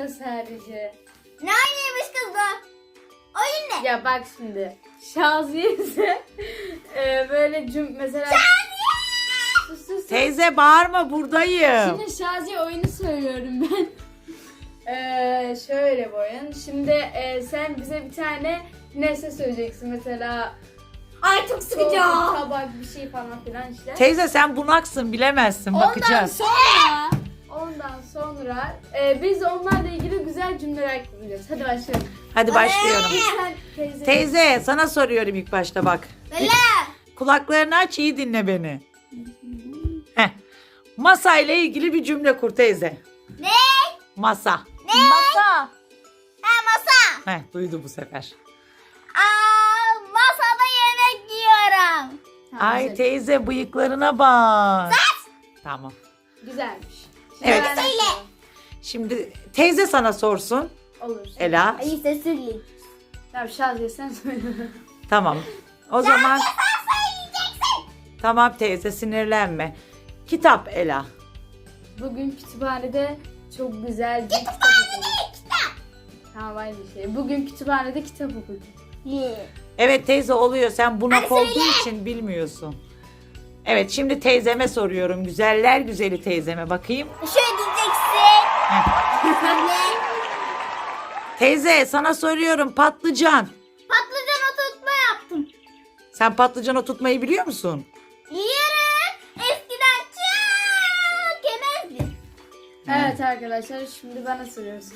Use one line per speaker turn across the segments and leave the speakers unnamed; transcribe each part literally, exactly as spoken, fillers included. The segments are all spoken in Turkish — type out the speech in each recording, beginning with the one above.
oynayacağız sadece.
Ne oynaymış kız bu? Oyun ne?
Ya bak şimdi. Şaziye ise e, böyle cüm mesela... Sus, sus, sus.
Teyze bağırma, buradayım.
Şimdi Şaziye oyunu söylüyorum ben. Ee, şöyle bu oyun. Şimdi e, sen bize bir tane nesne söyleyeceksin. Mesela
Ay çok sıkıcı.
soğuk, tabak bir şey falan filan işte.
Teyze sen bunaksın, bilemezsin,
Ondan
bakacağız.
sonra ondan sonra e, biz onlarla ilgili güzel cümleler kuracağız. Hadi başlayalım.
Hadi başlıyorum.
Sen teyze.
Teyze sana soruyorum ilk başta bak.
Böyle.
Kulaklarını aç, iyi dinle beni. Heh. Masa ile ilgili bir cümle kur teyze.
Ne?
Masa.
Ne?
Masa.
Ha masa.
Heh, duydu bu sefer.
Aa, masada yemek yiyorum.
Tamam,
Ay
güzel.
teyze bıyıklarına bak. Tamam.
Güzelmiş.
Evet.
Ben de
Söyle.
söyleyeyim.
Şimdi teyze sana sorsun.
Olur.
Ela.
Ay işte söyleyeyim.
Tamam Şaziye sen söyle.
Tamam. O zaman
Sen söyleyeceksin.
tamam teyze, sinirlenme. Kitap Ela.
Bugün kütüphanede çok güzel bir kitap okudum.
Kütüphanede kitap.
Tamam aynı şey. Bugün kütüphanede kitap okudum.
Evet teyze, oluyor. Sen bunak
Hadi
olduğu
söyle.
için bilmiyorsun. Evet, şimdi teyzeme soruyorum. Güzeller güzeli teyzeme bakayım.
Şöyle diyeceksin. Söyle.
Teyze sana soruyorum, patlıcan.
Patlıcan oturtma yaptım.
Sen patlıcan oturtmayı biliyor musun?
Yiyorum. Eskiden çok yemezdim.
Evet arkadaşlar şimdi bana soruyorsun.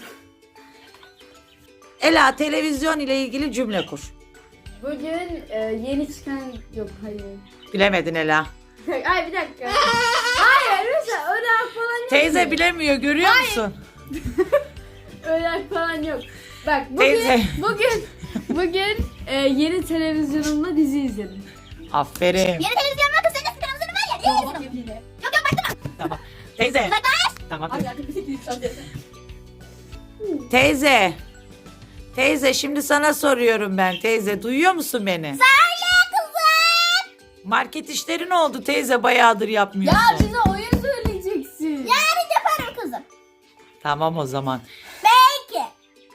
Ela, televizyon ile ilgili cümle kur.
Bugün e, yeni çıkan... Yok hayır.
Bilemedin Ela.
Ay bir dakika. Hayır mesela öyle falan yok.
Teyze
ki.
bilemiyor, görüyor musun?
Öyle falan yok. Bak bugün
Teyze.
bugün bugün e, yeni televizyonumda dizi izledim.
Aferin.
Yeni televizyon var kız. Senin televizyonun var ya. Niye izliyorsun? Yok yok baktım.
Tamam. Teyze.
Uzaklaş.
Tamam. Teyze. Teyze, şimdi sana soruyorum ben. Teyze, duyuyor musun beni?
Söyle kızım.
Market işleri ne oldu teyze? Bayağıdır yapmıyorsun.
Ya bize oyun söyleyeceksin.
Yarın yaparım kızım.
Tamam o zaman.
Peki.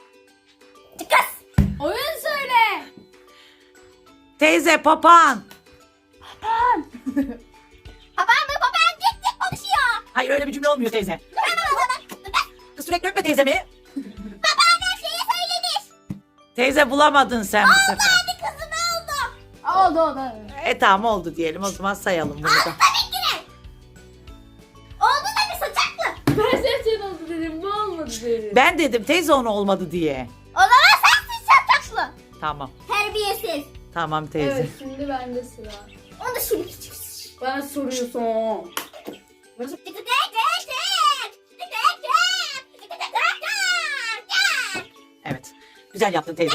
Kız.
Oyun söyle.
Teyze, papağan.
Babam mı babam tek tek konuşuyor.
Hayır, öyle bir cümle olmuyor teyze. Kız sürekli öpme teyzemi.
Babam her şeyi söylemiş.
Teyze, bulamadın sen bu sefer.
Hadi kızım oldu.
Oldu oldu.
E tamam, oldu diyelim. O zaman sayalım bunu da.
Tabii ki de. Oldu da bir saçaklı.
Ben senin oldu dedim. Bu olmadı dedim.
Ben dedim teyze, onu olmadı diye.
O zaman sensin saçaklı.
Tamam.
Terbiyesiz.
Tamam teyze.
Evet şimdi bende sıra.
Onu da şimdi küçük.
Bana soruyorsun.
Tık tık tık tık tık. Tık tık tık. Tık tık tık tık.
Evet. Güzel yaptın teyze.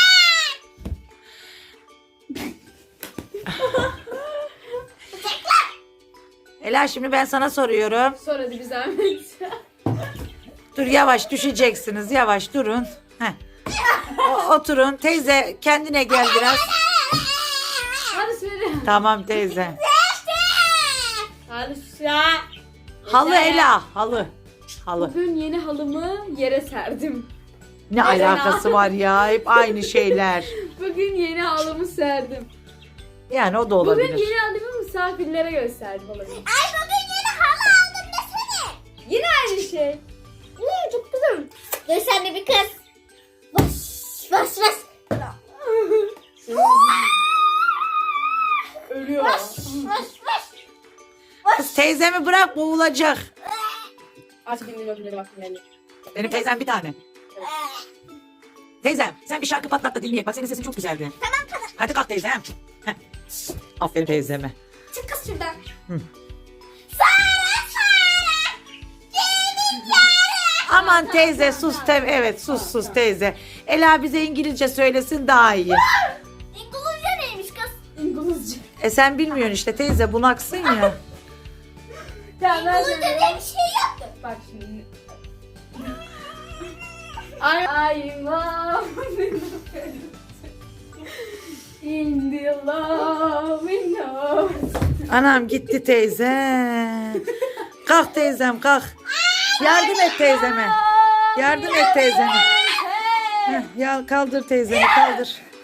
Ela, şimdi ben sana soruyorum.
Sor hadi bir zahmet.
Dur, yavaş düşeceksiniz. Yavaş durun. Heh. O- oturun. Teyze, kendine gel biraz.
Hadi söyle.
Tamam teyze.
Hadi ya.
Halı
Yeter.
Ela. Halı. Halı.
Bugün yeni halımı yere serdim.
Ne alakası var ya? Hep aynı şeyler.
Bugün yeni halımı serdim.
Yani o da
Bugün
olabilir.
yeni halımı misafirlere gösterdim olabilir.
Ay bugün yeni halı aldım desene.
Yine aynı şey.
Hmm, çok güzel. Dur sen de bir kız. Baş baş baş.
Ölüyor.
Baş baş baş.
Kız teyzemi bırak, boğulacak.
Aç bindiğim öpüleri bak yani.
Benim teyzem bir tane. Teyzem, sen bir şarkı patlat da dinleyek. Bak, senin sesin çok güzeldi.
Tamam tamam.
Hadi kalk teyzem. Heh. Aferin teyzeme.
Çık kız şuradan.
Hı.
Sara Sara. Gelin Sara.
Aman teyze sus. Te evet sus sus teyze. Ela bize İngilizce söylesin daha iyi.
İngilizce neymiş kız?
İngilizce.
E sen bilmiyorsun işte teyze, bunaksın ya.
Tamam ben
İngilizce
söylüyorum.
diye bir şey yaptım.
Bak şimdi. I, I'm in the love window.
Anam gitti teyze. Kalk teyzem kalk. Yardım et teyzeme. Yardım et teyzene. Heh, ya kaldır teyzeni kaldır.